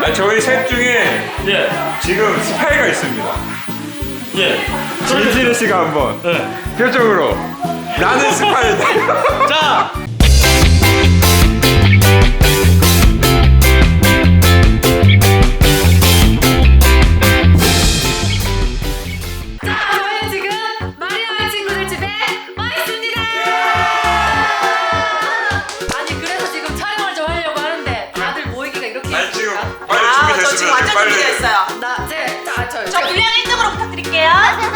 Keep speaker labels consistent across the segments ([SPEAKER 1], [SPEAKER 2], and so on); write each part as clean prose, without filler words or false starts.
[SPEAKER 1] 아니, 저희 셋 중에
[SPEAKER 2] 예.
[SPEAKER 1] 지금 스파이가 있습니다.
[SPEAKER 2] 예.
[SPEAKER 1] 진실의 씨가 한번
[SPEAKER 2] 예.
[SPEAKER 1] 표정으로 나는 스파이다.
[SPEAKER 2] 자.
[SPEAKER 3] 저희는 지금 마리아 친구들 집에 와 있습니다. 아니 그래서 지금 촬영을 좀 하려고 하는데 다들 모이기가 이렇게
[SPEAKER 1] 아니, 지금
[SPEAKER 3] 있습니까?
[SPEAKER 1] 빨리
[SPEAKER 4] 저 지금
[SPEAKER 1] 준비됐으면
[SPEAKER 4] 완전
[SPEAKER 1] 빨리.
[SPEAKER 4] 준비됐어요.
[SPEAKER 3] 저
[SPEAKER 4] 분량 1등으로 부탁드릴게요.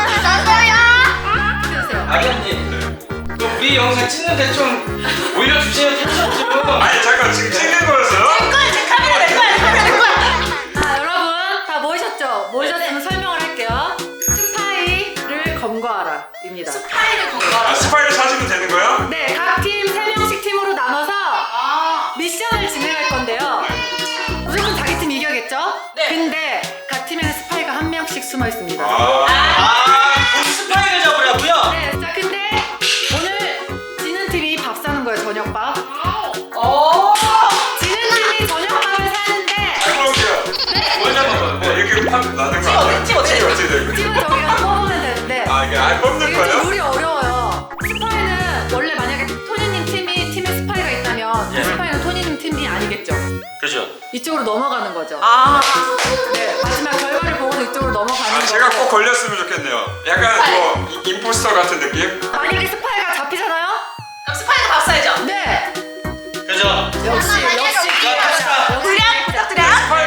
[SPEAKER 3] 주세요.
[SPEAKER 2] 아기님. 또 우리 영상 찍는데 좀 올려주시면 괜찮죠?
[SPEAKER 1] 아니, 잠깐, 지금 찍는 거였어요?
[SPEAKER 4] 제 카메라 낼 거야. 카메라 낼 거야.
[SPEAKER 3] 자 여러분 다 모이셨죠? 모이셨으면 설명을 할게요. 스파이를 검거하라입니다.
[SPEAKER 4] 스파이를
[SPEAKER 1] 아,
[SPEAKER 4] 건거라.
[SPEAKER 1] 스파이를 찾으면 되는 거야?
[SPEAKER 3] 네, 각 팀 3명씩 팀으로 나눠서 미션을 진행할 건데요. 무조건 자기 팀 이겨야겠죠?
[SPEAKER 4] 네.
[SPEAKER 3] 근데 각 팀에는 스파이가 한 명씩 숨어 있습니다.
[SPEAKER 2] 우리 스파이를 잡으라고요?
[SPEAKER 3] 네, 자 근데 오늘 지는 팀이 밥 사는 거예요, 저녁밥.
[SPEAKER 4] 오.
[SPEAKER 3] 지는 팀이 저녁밥을 사는데
[SPEAKER 1] 그럼요.
[SPEAKER 2] 뭘 잡은 거야?
[SPEAKER 1] 네, 이렇게 팝 나는 거
[SPEAKER 4] 찍어,
[SPEAKER 1] 아니야?
[SPEAKER 4] 찍어, 찍어.
[SPEAKER 1] 어떻게 되는 거야?
[SPEAKER 3] 팀은 저기가 뽑으면 되는데
[SPEAKER 1] 아, 이게 안 뽑는
[SPEAKER 3] 이게 좀
[SPEAKER 1] 거야?
[SPEAKER 3] 룰이 어려워요. 스파이는 원래 만약에 토니님 팀에 스파이가 있다면
[SPEAKER 2] 예.
[SPEAKER 3] 스파이는 토니님 팀이 아니겠죠?
[SPEAKER 2] 그죠.
[SPEAKER 3] 이쪽으로 넘어가는 거죠.
[SPEAKER 4] 아.
[SPEAKER 3] 네, 마지막 결과를 보고서 이쪽으로 넘어가는
[SPEAKER 1] 아,
[SPEAKER 3] 거고.
[SPEAKER 1] 제가 꼭 걸렸으면 좋겠네요. 약간 뭐 임포스터 같은 느낌?
[SPEAKER 3] 만약에 스파이가 잡히잖아요?
[SPEAKER 4] 그럼 스파이가 밥 사야죠.
[SPEAKER 3] 네.
[SPEAKER 2] 그죠.
[SPEAKER 3] 역시
[SPEAKER 2] 갑시다.
[SPEAKER 4] 분량 부탁드려.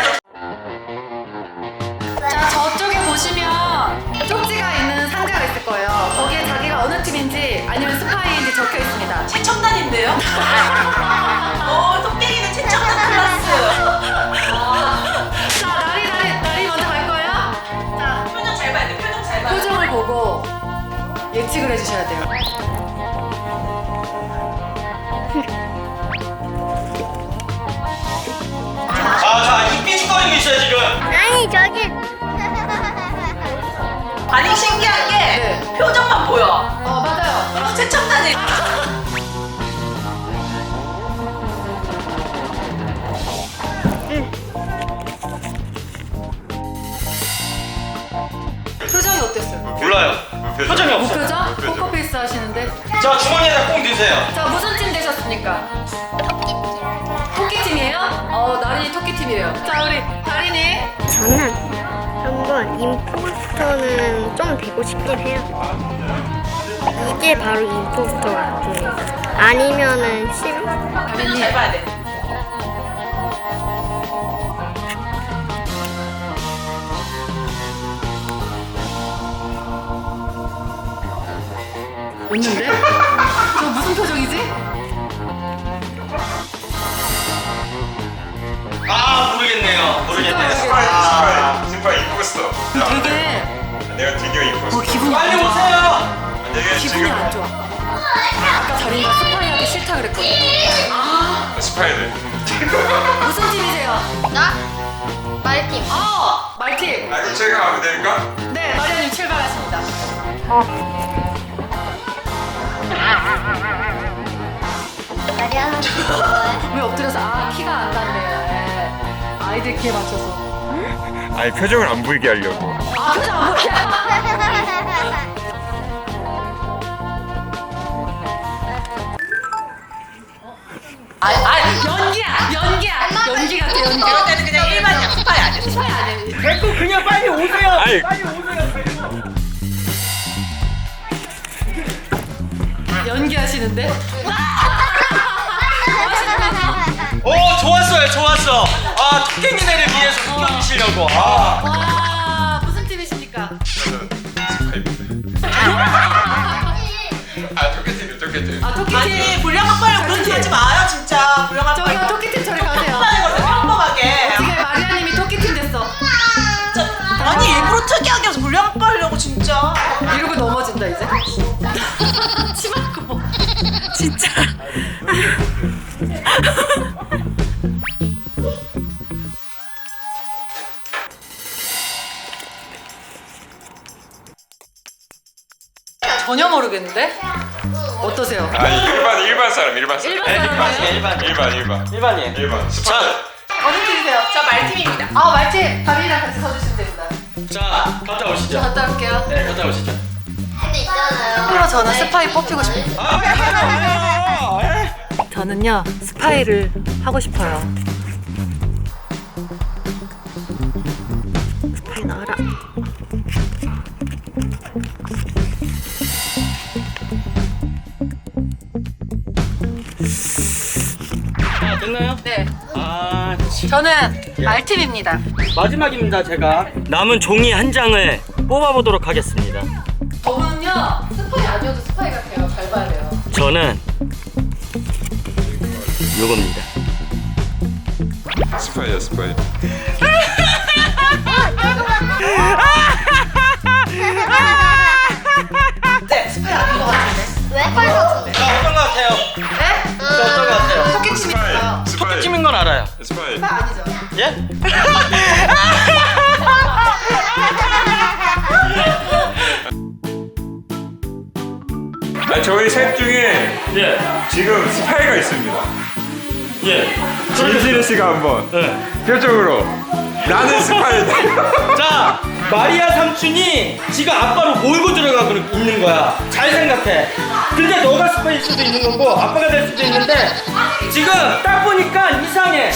[SPEAKER 3] 자 저쪽에 보시면 쪽지가 있는 상자가 있을 거예요. 거기에 자기가 어느 팀인지 아니면 스파이인지 적혀 있습니다.
[SPEAKER 4] 최첨단인데요? 오, 토끼이는 최첨단 클래스.
[SPEAKER 3] 자 나리 먼저 갈 거예요. 자
[SPEAKER 4] 표정 잘 봐야 돼. 표정 잘 봐야 돼.
[SPEAKER 3] 표정을 보고 예측을 해주셔야 돼요.
[SPEAKER 2] 자, 이 삐죽거리고 있어요, 지금.
[SPEAKER 5] 아니 저기
[SPEAKER 4] 아니 신기한 게
[SPEAKER 3] 네.
[SPEAKER 4] 표정만 보여.
[SPEAKER 3] 맞아요.
[SPEAKER 4] 그럼 최첨단이.
[SPEAKER 3] 표정이 어땠어요?
[SPEAKER 2] 몰라요. 표정이 없어.
[SPEAKER 3] 무표정? 포커페이스 하시는데.
[SPEAKER 2] 자, 주머니에다 꼭 넣으세요.
[SPEAKER 3] 자 무슨 팀 되셨습니까? 토끼 팀이에요? 나린이 토끼 팀이에요. 자 우리 다린이.
[SPEAKER 5] 저는 한번 임포스터는 좀 되고 싶긴 해요. 이게 바로 임포스터 같아요. 아니면은 심
[SPEAKER 4] 표정
[SPEAKER 3] 다린이.
[SPEAKER 4] 잘 봐야 돼.
[SPEAKER 3] 웃는데? 저 무슨 표정이지?
[SPEAKER 2] 아, 모르겠네요. 모르겠네요.
[SPEAKER 1] 스파이 임포스터.
[SPEAKER 3] 되게
[SPEAKER 1] 내가 드디어 임포스터.
[SPEAKER 3] 기분이
[SPEAKER 2] 빨리
[SPEAKER 3] 안 좋아.
[SPEAKER 2] 오세요.
[SPEAKER 1] 내가
[SPEAKER 3] 기분이
[SPEAKER 1] 지금
[SPEAKER 3] 안 좋아. 아까 다린이가 스파이하기 싫다 그랬거든.
[SPEAKER 1] 스파이들.
[SPEAKER 3] 무슨 팀이세요?
[SPEAKER 5] 나 말팀.
[SPEAKER 3] 말팀.
[SPEAKER 1] 아, 이거 제가 가면 될까?
[SPEAKER 3] 네, 마리아님 출발하십니다.
[SPEAKER 5] 마리아나
[SPEAKER 3] 왜 엎드려서 키가 안 닿네요. 네. 아이들 키에 맞춰서.
[SPEAKER 1] 아니, 표정을 안 보이게 하려고.
[SPEAKER 3] 표정 안 보여. 연기야. 연기 같아 연기.
[SPEAKER 4] 이럴 때는 그냥 일반이야. 스파이 아니야.
[SPEAKER 3] 스파이 아니에요.
[SPEAKER 2] 됐고, 그냥 빨리 오세요.
[SPEAKER 1] 아니,
[SPEAKER 2] 빨리 오세요.
[SPEAKER 3] 연기하시는데?
[SPEAKER 2] 좋았어요, 좋았어. 아, 토끼니네를 위해서 숨겨주시려고. 아.
[SPEAKER 3] 와 무슨 팀이십니까?
[SPEAKER 1] 저는 스파이입니다. 아, 토끼팀이요, 토끼팀.
[SPEAKER 3] 아 토끼팀.
[SPEAKER 4] 아니 분량 확보하려고 그런 티 하지 마요 진짜. 분량
[SPEAKER 3] 저기요
[SPEAKER 4] 확보하려고.
[SPEAKER 3] 토끼팀 저리 가세요.
[SPEAKER 4] 편하게 걸어 평범하게.
[SPEAKER 3] 지금 마리아님이 토끼팀 됐어.
[SPEAKER 4] 진짜. 아니 일부러 특이하게 해서 분량 확보하려고 진짜.
[SPEAKER 3] 이러고 넘어진다 이제. 치마 끄고. 진짜. 전혀 모르겠는데? 어떠세요?
[SPEAKER 1] 아니, 일반 사람.
[SPEAKER 3] 일반 사람이에요?
[SPEAKER 2] 일반.
[SPEAKER 1] 일반이에요.
[SPEAKER 2] 일반이에요.
[SPEAKER 1] 일반. 스파이.
[SPEAKER 4] 어느 팀이세요? 저 말팀입니다.
[SPEAKER 3] 아 말팀 다빈이랑 같이 서주시면 됩니다.
[SPEAKER 2] 자, 갔다
[SPEAKER 3] 저
[SPEAKER 2] 오시죠.
[SPEAKER 3] 갔다 올게요.
[SPEAKER 2] 네, 갔다 오시죠.
[SPEAKER 5] 근데 있잖아요.
[SPEAKER 3] 참고로 저는 스파이 뽑히고 싶어요. 저는요 스파이를 하고 싶어요. 스파이 나와라.
[SPEAKER 2] 자, 됐나요?
[SPEAKER 3] 네,
[SPEAKER 2] 아,
[SPEAKER 3] 저는 말팀입니다.
[SPEAKER 2] 마지막입니다. 제가 남은 종이 한 장을 뽑아보도록 하겠습니다.
[SPEAKER 3] 저분은요 스파이 아니어도 스파이 같아요. 잘 봐야 돼요.
[SPEAKER 2] 저는 요겁니다.
[SPEAKER 1] 스파이야 스파이.
[SPEAKER 3] 네, 스파이 아닌 것 같은데.
[SPEAKER 5] 왜 빨갛던데?
[SPEAKER 2] 자, 어떤 것 같아요?
[SPEAKER 3] 네?
[SPEAKER 2] 자, 어떤 것 같아요?
[SPEAKER 3] 토끼팀이에요.
[SPEAKER 1] 스파이.
[SPEAKER 2] 찜인 건 알아요.
[SPEAKER 1] 스파이.
[SPEAKER 3] 스파이 아니죠?
[SPEAKER 2] 예?
[SPEAKER 1] 아 저희 셋 중에
[SPEAKER 2] 예.
[SPEAKER 1] 지금 스파이가 있습니다.
[SPEAKER 2] 예.
[SPEAKER 1] 진실의 씨가 한번
[SPEAKER 2] 네.
[SPEAKER 1] 표정으로 나는 스파이다.
[SPEAKER 2] 자, 마리아 삼촌이 지금 아빠로 몰고 들어가고 있는 거야. 잘 생각해. 근데 너가 스파일 수도 있는 거고 아빠가 될 수도 있는데 지금 딱 보니까 이상해.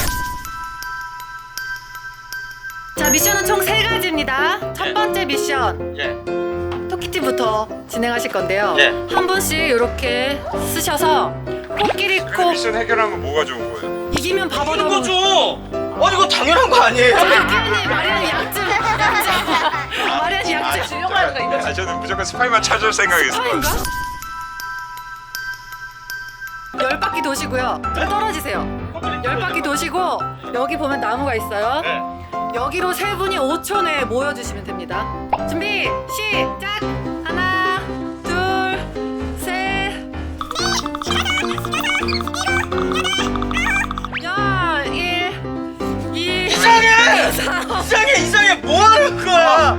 [SPEAKER 3] 자, 미션은 총 3가지입니다. 첫 번째 미션
[SPEAKER 2] 예.
[SPEAKER 3] 토끼팀부터 진행하실 건데요.
[SPEAKER 2] 예.
[SPEAKER 3] 한 분씩 이렇게 쓰셔서 코끼리
[SPEAKER 1] 그
[SPEAKER 3] 코
[SPEAKER 1] 미션 해결하면 뭐가 좋은 거예요?
[SPEAKER 3] 이기면 바보
[SPEAKER 2] 이런
[SPEAKER 3] 너무
[SPEAKER 2] 거죠. 아니 이거 당연한 거 아니에요?
[SPEAKER 3] 마리안이 약점 마리안이 약점 주려고 하는 거 있나?
[SPEAKER 1] 아 저는 무조건 스파이만 찾을 생각이었어요.
[SPEAKER 3] 스파인가? 10바퀴 도시고요. 좀 떨어지세요. 10바퀴 도시고 여기 보면 나무가 있어요.
[SPEAKER 2] 네.
[SPEAKER 3] 여기로 세 분이 5초 내에 모여주시면 됩니다. 준비 시작. 하나, 둘, 셋. 열, 일, 이.
[SPEAKER 2] 이상해! 이상해! 뭐 하는 거야?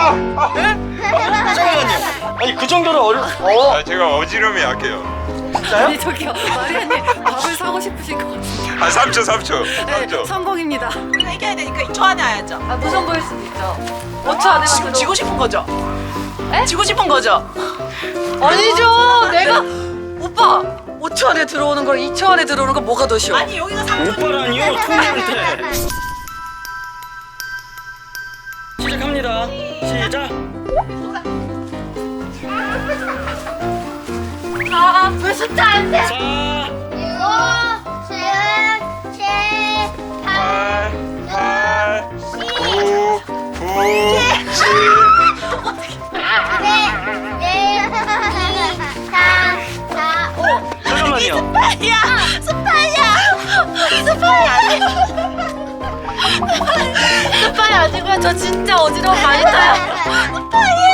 [SPEAKER 2] 잠깐만요. 아니 그 정도로
[SPEAKER 1] 아 제가 어지럼이 약해요.
[SPEAKER 3] 아니 저기요 마리아님 밥을 사고 싶으신 것 같아요.
[SPEAKER 1] 아 3초.
[SPEAKER 3] 네, 성공입니다.
[SPEAKER 4] 우리가 이겨야 되니까 2초 안에 와야죠.
[SPEAKER 3] 아 무서운 보일 수도 있죠. 5초 안에
[SPEAKER 4] 지금 지고 싶은 거죠?
[SPEAKER 3] 에?
[SPEAKER 4] 지고 싶은 거죠?
[SPEAKER 3] 아니죠. 내가 오빠 5초 안에 들어오는 걸 2초 안에 들어오는 거 뭐가 더 쉬워?
[SPEAKER 4] 아니 여기가 3초.
[SPEAKER 2] 오빠라니요? 토니한테. 시작합니다. 시작.
[SPEAKER 5] 왜 숫자 안 돼?
[SPEAKER 2] 4,
[SPEAKER 5] 6, 7, 8,
[SPEAKER 1] 8, 9, 10.
[SPEAKER 5] 4, 5.
[SPEAKER 2] 잠깐만요.
[SPEAKER 3] 스파이 아니고요. 저 진짜 어지러움 많이 타요.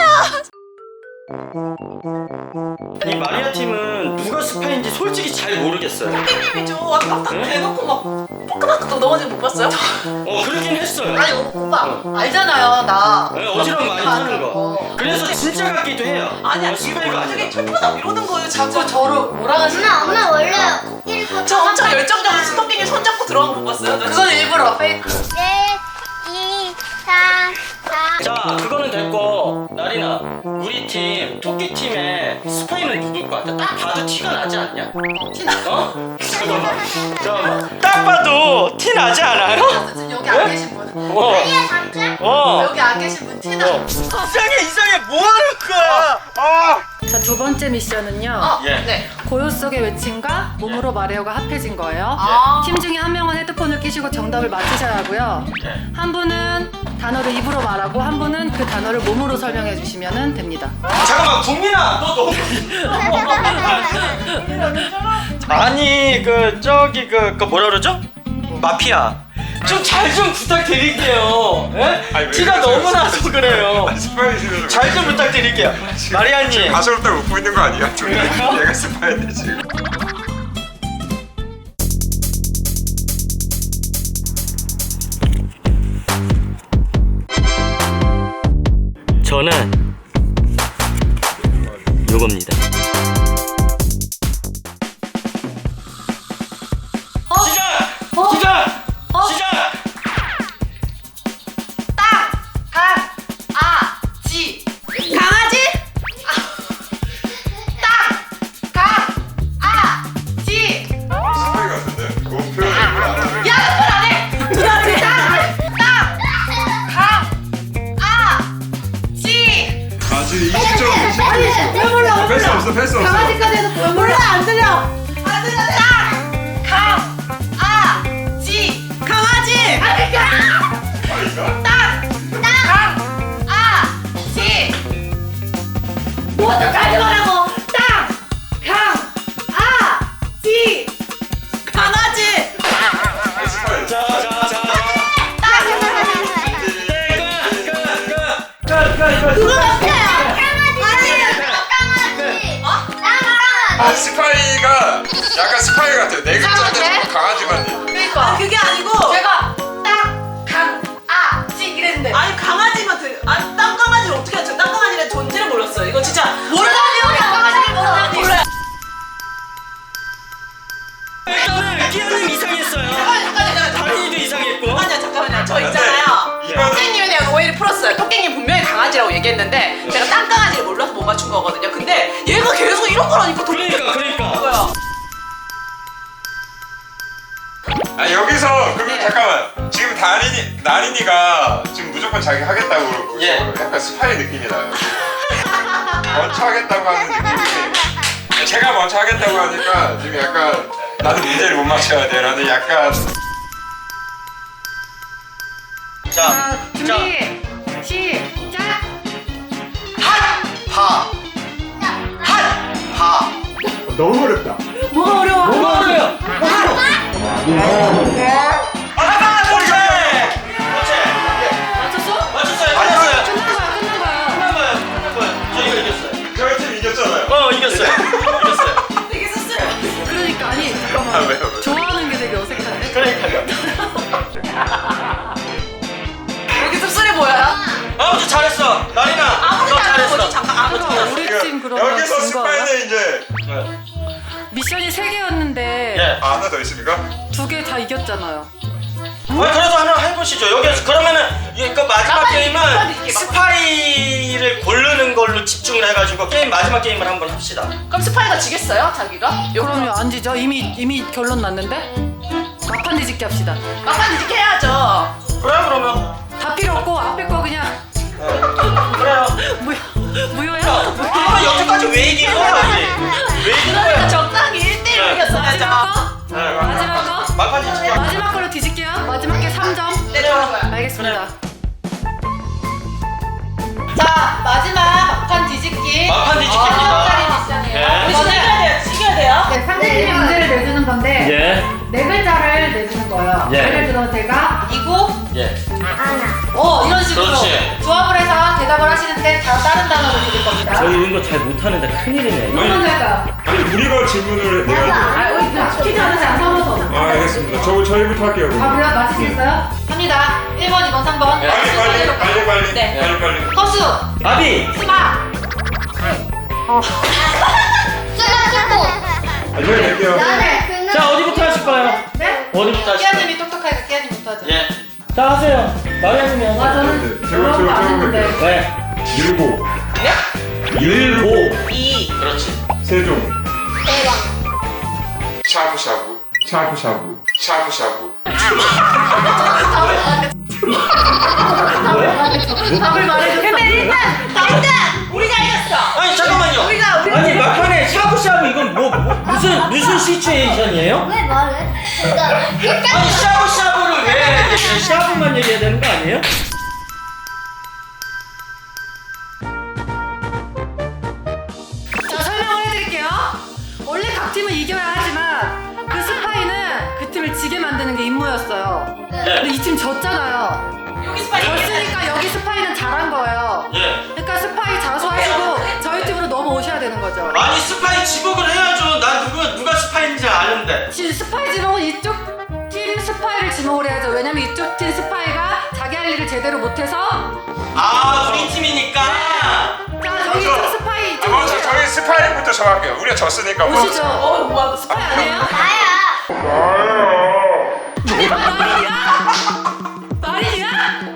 [SPEAKER 2] 이 마리아 팀은 누가 스파인지 솔직히 잘 모르겠어요.
[SPEAKER 4] 선생님이죠. 아까 딱 대놓고 막 포크마크도 넘어지는 거 못 봤어요?
[SPEAKER 2] 그러긴 했어요.
[SPEAKER 3] 아니 오빠 알잖아요 나.
[SPEAKER 2] 네, 어지러움 많이 타는 거. 그래서 진짜 같기도 해요.
[SPEAKER 4] 아니야
[SPEAKER 2] 스파이가
[SPEAKER 4] 지금
[SPEAKER 2] 아니라.
[SPEAKER 4] 되게 철푸덕 이러는 거예요. 자꾸
[SPEAKER 3] 저를 몰아가시는.
[SPEAKER 5] 엄마 원래 코끼리 코
[SPEAKER 4] 저 엄청 열정적으로 스토킹에 손잡고 들어간 거 못 봤어요?
[SPEAKER 3] 그건 일부러 페이크.
[SPEAKER 5] 2, 3, 4.
[SPEAKER 2] 자, 그거는 됐고 나리나, 우리 팀 토끼 팀의 스파이는 누굴 것 같아? 딱 봐도 티가 나지 않냐?
[SPEAKER 3] 티나.
[SPEAKER 2] 어? 잠깐만. 딱 봐도 티 나지 않아요?
[SPEAKER 3] 지금 여기 안 계신 분.
[SPEAKER 2] 어.
[SPEAKER 5] 아니야, 삼촌?
[SPEAKER 3] 여기 안 계신 분 티나.
[SPEAKER 2] 이상해 뭐 하는 거야?
[SPEAKER 3] 자, 두 번째 미션은요.
[SPEAKER 2] 예.
[SPEAKER 3] 네. 고요 속의 외침과 몸으로 말해요가 합해진 거예요.
[SPEAKER 4] 아.
[SPEAKER 3] 팀 중에 한 명은 헤드폰을 끼시고 정답을 맞히셔야 하고요. 한 분은 단어를 입으로 말하고 한 분은 그 단어를 몸으로 설명해 주시면 됩니다.
[SPEAKER 2] 잠깐만 국민아 너 너무 아니 저기 뭐라 그러죠? 마피아 좀 잘 좀 부탁드릴게요. 예?
[SPEAKER 1] 아니, 왜
[SPEAKER 2] 티가
[SPEAKER 1] 그러세요?
[SPEAKER 2] 너무 나서 그래요.
[SPEAKER 1] 스파이 지금
[SPEAKER 2] 잘 좀 부탁드릴게요. 마리아님
[SPEAKER 1] 가소롭다고 웃고 있는 거 아니야? 얘가 스파이인데 지금.
[SPEAKER 2] 저는 요겁니다. 시작! 시작! 시작!
[SPEAKER 1] 뺄 수 없어 뺄 수 없어.
[SPEAKER 3] 강아지까지 해서 보여.
[SPEAKER 4] 몰라 안 들려. 안 들려. 지 강아지. 지
[SPEAKER 3] 뭐까지 말하고 지.
[SPEAKER 4] 강아지.
[SPEAKER 3] 그거 같아요.
[SPEAKER 1] 아 스파이가 약간 스파이 같아요. 네 글자인데 강아지만.
[SPEAKER 4] 그러니까 그게 아니고
[SPEAKER 3] 제가 지 이랬는데.
[SPEAKER 4] 아니 강아지만 아니 땅강아지를 어떻게 하죠? 땅강아지의 존재를 몰랐어요. 이거 진짜 몰라요. 몰라요.
[SPEAKER 2] 일단은 끼어님 이상했어요.
[SPEAKER 4] 잠깐만요.
[SPEAKER 2] 다린이도 이상했고.
[SPEAKER 4] 잠깐만요. 저 있잖아요.
[SPEAKER 1] 네.
[SPEAKER 4] 토끼님에 대한 오해를 풀었어요. 토끼님 분명히 강아지라고 얘기했는데 제가 땅강아지를 몰라서 못 맞춘 거거든요. 근데 얘가 계속 이런 거라니까.
[SPEAKER 2] 그러니까.
[SPEAKER 4] 뭐야?
[SPEAKER 1] 아 여기서 그러면 잠깐만 지금 나린이가 지금 무조건 자기 하겠다고 그러고
[SPEAKER 2] 예.
[SPEAKER 1] 약간 스파이 느낌이 나요. 먼저 하겠다고 하는 느낌이 제가 먼저 하겠다고 하니까 지금 약간 나는 문제를 못 맞춰야 돼 라는 약간
[SPEAKER 2] 자,
[SPEAKER 3] 준비 시작.
[SPEAKER 1] 너무 어렵다.
[SPEAKER 3] 뭐가 어려워?
[SPEAKER 2] 뭐가 어려요?
[SPEAKER 3] 맞췄어?
[SPEAKER 2] 맞췄어요.
[SPEAKER 1] 아니요.
[SPEAKER 3] 끝난 거야.
[SPEAKER 2] 끝난 거예요. 저 이거 이겼어요.
[SPEAKER 1] 저희 팀 이겼잖아요.
[SPEAKER 2] 이겼어요.
[SPEAKER 4] 되게 씁쓸해.
[SPEAKER 3] 그러니까 아니
[SPEAKER 1] 아,
[SPEAKER 3] 잠깐만.
[SPEAKER 1] 왜요?
[SPEAKER 3] 좋아하는 게 되게 어색한데.
[SPEAKER 2] 그러니까요.
[SPEAKER 4] 이렇게 씁쓸해 보여요?
[SPEAKER 2] 아무튼 잘했어. 나린아,
[SPEAKER 4] 아무리
[SPEAKER 2] 너
[SPEAKER 4] 잘하는 거지.
[SPEAKER 2] 잘했어.
[SPEAKER 4] 잠깐 아무리 잘하는
[SPEAKER 3] 우리
[SPEAKER 1] 지금
[SPEAKER 3] 팀 그러면
[SPEAKER 1] 여기서
[SPEAKER 3] 진 거예요?
[SPEAKER 1] 스파이는 이제
[SPEAKER 3] 미션이 3개였는데
[SPEAKER 2] 예.
[SPEAKER 1] 아, 하나 더 있습니까?
[SPEAKER 3] 2개 다 이겼잖아요.
[SPEAKER 2] 그래도 하나 해보시죠. 여기서 그러면은 그 마지막
[SPEAKER 4] 막판
[SPEAKER 2] 게임은
[SPEAKER 4] 이게
[SPEAKER 2] 스파이를 고르는 걸로 집중을 해가지고 게임 마지막 게임을 한번 합시다.
[SPEAKER 4] 그럼 스파이가 지겠어요? 자기가?
[SPEAKER 3] 그럼요 안 지죠? 이미 결론 났는데? 막판 뒤집기 합시다.
[SPEAKER 4] 막판 이렇게 해야죠.
[SPEAKER 2] 그래요 그러면.
[SPEAKER 3] 다 필요 없고 앞에 거 그냥
[SPEAKER 2] 그래요.
[SPEAKER 3] 무효야?
[SPEAKER 2] 아 여태까지 왜 이긴 거야 이게? 왜 이긴
[SPEAKER 4] 그러니까
[SPEAKER 2] 거야?
[SPEAKER 4] 적당히 1대1 이겼어야죠.
[SPEAKER 3] 마지막 거? 마지막 거?
[SPEAKER 2] 막판 뒤집기.
[SPEAKER 3] 마지막 걸로 뒤집게요. 마지막 게 3점.
[SPEAKER 4] 네, 좋은 거야.
[SPEAKER 3] 알겠습니다. 자 마지막 막판 뒤집기.
[SPEAKER 2] 막판 뒤집기입니다.
[SPEAKER 3] 3점짜리 미션이에요.
[SPEAKER 2] 예.
[SPEAKER 4] 우리 이겨야 돼요.
[SPEAKER 3] 네, 상대팀이 문제를 내주는 건데
[SPEAKER 2] 예.
[SPEAKER 3] 네 글자를 내주는 거예요.
[SPEAKER 2] 예.
[SPEAKER 3] 예를 들어 제가 이구
[SPEAKER 2] 예.
[SPEAKER 3] 이런 식으로
[SPEAKER 2] 그렇지.
[SPEAKER 3] 조합을 해서 대답을 하시는데 다 다른 단어를 드릴 겁니다.
[SPEAKER 2] 저희 이런 거 잘 못하는데 큰일이네.
[SPEAKER 3] 누구 먼저 할까요?
[SPEAKER 1] 아니 우리가 질문을 해야 돼.
[SPEAKER 3] 아, 퀴즈 하나씩 안 서면서.
[SPEAKER 1] 아 알겠습니다. 저희부터 할게요.
[SPEAKER 3] 아 그래요? 맞히시겠어요? 합니다. 1번, 2번, 3번.
[SPEAKER 1] 빨리.
[SPEAKER 3] 네.
[SPEAKER 1] 빨리.
[SPEAKER 3] 허수,
[SPEAKER 2] 아비.
[SPEAKER 3] 수박.
[SPEAKER 1] 저희 낼게요.
[SPEAKER 2] 자 어디부터 하실까요?
[SPEAKER 3] 네?
[SPEAKER 2] 어디부터 하실까요?
[SPEAKER 3] 끼아님이 똑똑하니까 끼아님부터 하죠.
[SPEAKER 2] 예. 자 하세요. 마리아님이 하세요.
[SPEAKER 3] 아 저는 그런 거안 했는데.
[SPEAKER 2] 네.
[SPEAKER 1] 일곱.
[SPEAKER 2] 일곱.
[SPEAKER 4] 2
[SPEAKER 2] 그렇지.
[SPEAKER 1] 세종. 샤브샤브.
[SPEAKER 3] 답을 말해줘.
[SPEAKER 4] 근데 일단 우리가 이겼어.
[SPEAKER 2] 아니 잠깐만요. 아니 막판에 샤브샤브 이건 무슨 시츄에이션이에요?
[SPEAKER 5] 왜 말해? 그러니까
[SPEAKER 2] 아니 샤브샤브를 왜 해야 돼? 샤브만 얘기해야 되는 거 아니에요?
[SPEAKER 3] 자 설명을 해드릴게요. 원래 각 팀은 이겨야 하지만 그 스파이는 그 팀을 지게 만드는 게 임무였어요. 근데 이 팀 졌잖아요.
[SPEAKER 4] 여기 스파이
[SPEAKER 3] 졌으니까 여기 스파이는 잘한 거예요.
[SPEAKER 2] 예.
[SPEAKER 3] 그러니까 스파이 자수하시고 저희 팀으로 넘어오셔야 되는 거죠.
[SPEAKER 2] 아니 스파이 지목을 해야죠. 난 누가 스파이인지 아는데.
[SPEAKER 3] 스파이 지목은 이쪽 팀 스파이를 지목을 해야죠. 왜냐면 이쪽 팀 스파이가 자기 할 일을 제대로 못해서.
[SPEAKER 2] 아 우리 팀이니까.
[SPEAKER 3] 자 저기 이쪽 스파이 이쪽
[SPEAKER 1] 먼저
[SPEAKER 3] 오세요.
[SPEAKER 1] 저희 스파이부터 정할게요. 우리가 졌으니까
[SPEAKER 3] 오시죠.
[SPEAKER 4] 뭐
[SPEAKER 3] 스파이 아니에요?
[SPEAKER 5] 나야.
[SPEAKER 3] 말이야?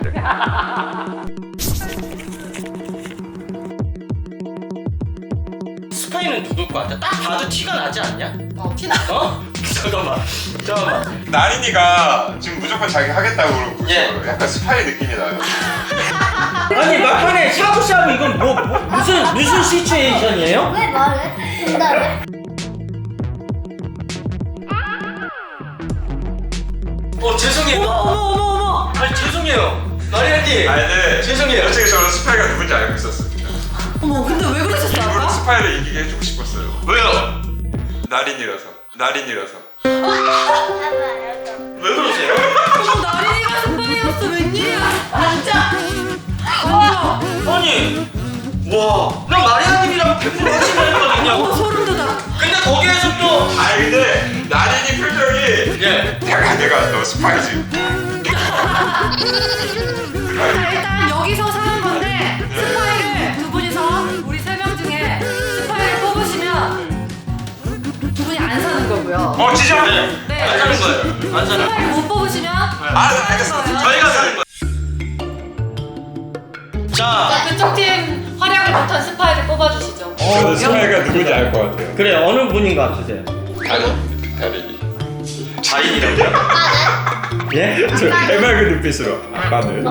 [SPEAKER 2] 스파이는 누굴 것 같아? 딱 봐도 티가 나지 않냐?
[SPEAKER 3] 티나.
[SPEAKER 2] 어? 잠깐만.
[SPEAKER 1] 나린이가 지금 무조건 자기 하겠다고 그러고
[SPEAKER 2] 예.
[SPEAKER 1] 약간 스파이 느낌이 나요.
[SPEAKER 2] 아니 막판에 샤브샤브 이건 뭐 무슨 시츄에이션이에요?
[SPEAKER 5] 왜 말해? 응답해.
[SPEAKER 2] 죄송해요.
[SPEAKER 3] 어머.
[SPEAKER 2] 아니 죄송해요. 마리아님.
[SPEAKER 1] 아니 근데
[SPEAKER 2] 죄송해요.
[SPEAKER 1] 솔직히 저는 스파이가 누군지 알고 있었습니다.
[SPEAKER 3] 어머, 근데 왜 그러셨어,
[SPEAKER 1] 일부러
[SPEAKER 3] 아까?
[SPEAKER 1] 스파이를 이기게 해주고 싶었어요.
[SPEAKER 2] 왜요?
[SPEAKER 1] 날인이라서.
[SPEAKER 2] 왜 그러세요?
[SPEAKER 3] 어머, 나린이가 스파이였어, 웬일이야? 진짜.
[SPEAKER 2] 아니 나 마리아님이랑 100% 확신했거든요.
[SPEAKER 3] 소름 돋아.
[SPEAKER 2] 근데 거기에서 또
[SPEAKER 1] 아니 근데 날인이 표정이
[SPEAKER 2] 예.
[SPEAKER 1] 내가 너 스파이지.
[SPEAKER 3] 자, 일단 여기서 사는 건데 스파이를 두 분이서 우리 세 명 중에 스파이를 뽑으시면 두 분이 안 사는 거고요.
[SPEAKER 1] 진짜?
[SPEAKER 3] 네.
[SPEAKER 2] 안 사는 거예요. 안 사는 거예요.
[SPEAKER 3] 스파이를 못 뽑으시면
[SPEAKER 1] 알겠어.
[SPEAKER 3] 거예요.
[SPEAKER 2] 저희가 사는 거예요. 자,
[SPEAKER 3] 그쪽 팀 활약을 못한 스파이를 뽑아주시죠.
[SPEAKER 1] 저는 스파이가 누군지 알 것 같아요.
[SPEAKER 2] 그래 어느 분인 것 같으세요?
[SPEAKER 1] 다린이.
[SPEAKER 2] 자인이라고요? 예?
[SPEAKER 1] 저 해맑은 눈빛으로 아빠는.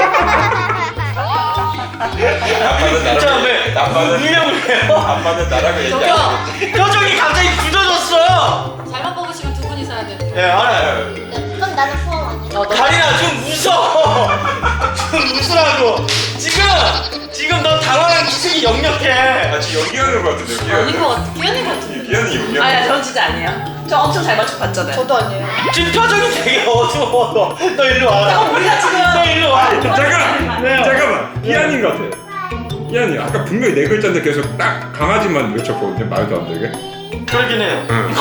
[SPEAKER 1] 아빠는
[SPEAKER 2] 자,
[SPEAKER 1] 나라고.
[SPEAKER 2] 왜?
[SPEAKER 1] 아빠는
[SPEAKER 2] 분명을 해요?
[SPEAKER 1] 아빠는 나라고 얘기하고.
[SPEAKER 2] 표정이 갑자기 굳어졌어.
[SPEAKER 3] 잘못 뽑으시면 두 분이 사야 되는
[SPEAKER 2] 예, 알아요.
[SPEAKER 5] 그럼 나는 포함 아니야?
[SPEAKER 2] 다리나 좀 웃어. 좀 웃으라고. 지금 너 당황한 기색이 역력해.
[SPEAKER 1] 지금 연기하는 것 같은데.
[SPEAKER 3] 아닌 것 같아. 끼어낸 것 같은데.
[SPEAKER 1] 기현이 연기.
[SPEAKER 4] 아니야 전 진짜 아니에요. 저 엄청 잘 맞춰 봤잖아요.
[SPEAKER 3] 저도 아니에요.
[SPEAKER 2] 지금 표정이 되게 어두워. 너 일로 와라.
[SPEAKER 4] 우리가 지금
[SPEAKER 2] 너 일로 와.
[SPEAKER 1] 잠깐.
[SPEAKER 2] 왜요?
[SPEAKER 1] 잠깐만. 기현인 것 같아. 기현이 아까 분명히 네 글자인데 계속 딱 강아지만 외쳤거든요. 말도 안 되게.
[SPEAKER 2] 그러긴 해요.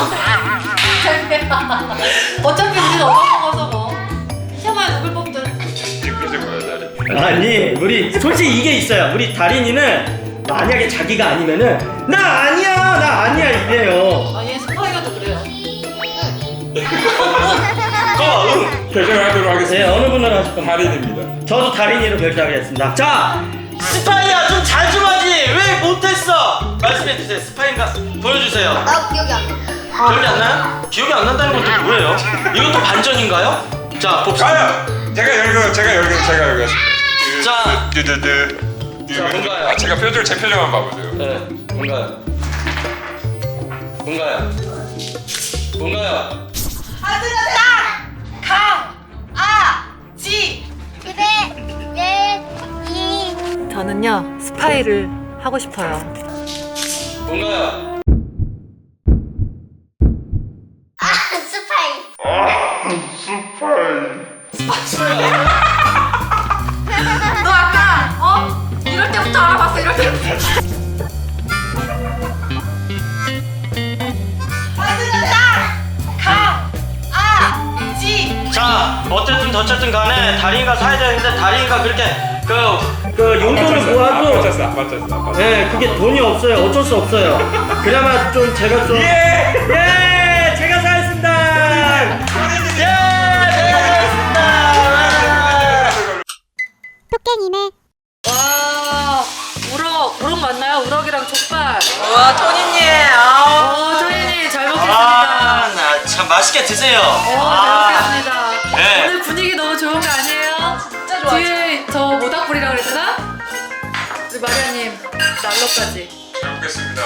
[SPEAKER 3] 어차피 우리는 얻어먹어서 뭐. 시험에 누굴 뽑든.
[SPEAKER 1] 그래서 뭐야 나를.
[SPEAKER 2] 아니 우리 솔직히 이게 있어요. 우리 다린이는 만약에 자기가 아니면은 나 아니야 이래요.
[SPEAKER 3] 아니 스파이가도 그래요.
[SPEAKER 2] 응.
[SPEAKER 1] 결정하도록
[SPEAKER 2] 네
[SPEAKER 1] 하겠습니다.
[SPEAKER 2] 어느 분으로 하실 겁니까?
[SPEAKER 1] 달인입니다.
[SPEAKER 2] 저도 다린이로 결정하겠습니다. 자 스파이야 좀 잘 좀 하지 왜 못했어? 말씀해 주세요. 스파이인가 보여주세요.
[SPEAKER 5] 나 기억이 안 나.
[SPEAKER 2] 기억이 안 나요? 기억이 안 난다는 건 또 뭐예요? 이것도 반전인가요? 자 봅시다.
[SPEAKER 1] 가요. 제가 열겠습니다.
[SPEAKER 2] 자.
[SPEAKER 1] 두두두.
[SPEAKER 2] 자, 뭔가요?
[SPEAKER 1] 아 제가 제 표정만 봐보세요.
[SPEAKER 2] 네 뭔가요?
[SPEAKER 5] 그래. 네. 이.
[SPEAKER 3] 저는요 스파이를 하고 싶어요.
[SPEAKER 2] 뭔가요?
[SPEAKER 5] 아 스파이.
[SPEAKER 3] 너 아까 이럴 때부터 알아봤어. 이럴 때부터.
[SPEAKER 2] 자 어쨌든 간에 다린이가 사야 되는데 다린이가 그렇게 그 용돈을 모아도
[SPEAKER 1] 맞췄어.
[SPEAKER 2] 네 그게 돈이 없어요. 어쩔 수 없어요. 그나마 좀 제가 좀 예 제가 사겠습니다. 예 제가 사겠습니다.
[SPEAKER 5] 토깽이네.
[SPEAKER 3] 와 우럭 맞나요? 우럭이랑 족발.
[SPEAKER 4] 와 토니님 아우.
[SPEAKER 3] 조인이 잘 먹겠습니다.
[SPEAKER 2] 나 참 맛있게 드세요.
[SPEAKER 3] 잘 먹겠습니다.
[SPEAKER 2] 네.
[SPEAKER 3] 오늘 분위기 너무 좋은 거 아니에요?
[SPEAKER 4] 진짜 좋아.
[SPEAKER 3] 뒤에 저 모닥불이라고 그랬나? 우리 마리아님 난로까지.
[SPEAKER 1] 잘 먹겠습니다.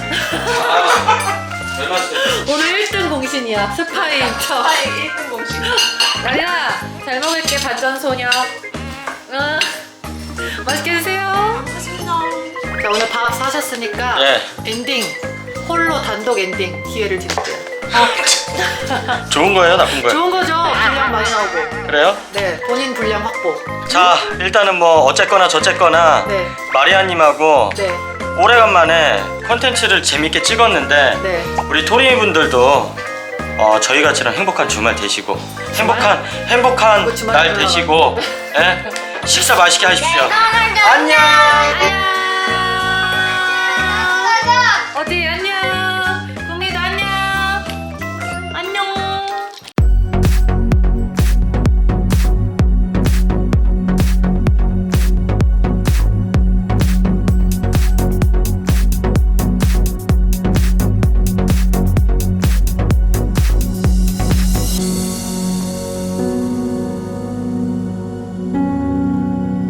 [SPEAKER 2] 잘 맛있어요.
[SPEAKER 3] 오늘 1등 공신이야. 스파이인 척.
[SPEAKER 4] 스파이 1등 공식.
[SPEAKER 3] 마리아 잘 먹을게 반전소녀. 응. 맛있게 드세요. 자 오늘 밥 사셨으니까
[SPEAKER 2] 네.
[SPEAKER 3] 엔딩 홀로 단독 엔딩 기회를 드릴게요.
[SPEAKER 2] 좋은 거예요, 나쁜 거예요?
[SPEAKER 3] 좋은 거죠? 분량 많이 나오고.
[SPEAKER 2] 그래요?
[SPEAKER 3] 네 본인 분량 확보.
[SPEAKER 2] 자 일단은 뭐 어쨌거나 저쨌거나
[SPEAKER 3] 네.
[SPEAKER 2] 마리아님하고
[SPEAKER 3] 네.
[SPEAKER 2] 오래간만에 컨텐츠를 재밌게 찍었는데
[SPEAKER 3] 네.
[SPEAKER 2] 우리 토리 분들도 저희 같이랑 행복한 주말 되시고 행복한
[SPEAKER 3] 뭐 주말
[SPEAKER 2] 날
[SPEAKER 3] 들어가.
[SPEAKER 2] 되시고 예? 식사 맛있게 하십시오.
[SPEAKER 5] 안녕.
[SPEAKER 2] 안녕.
[SPEAKER 3] 어디에?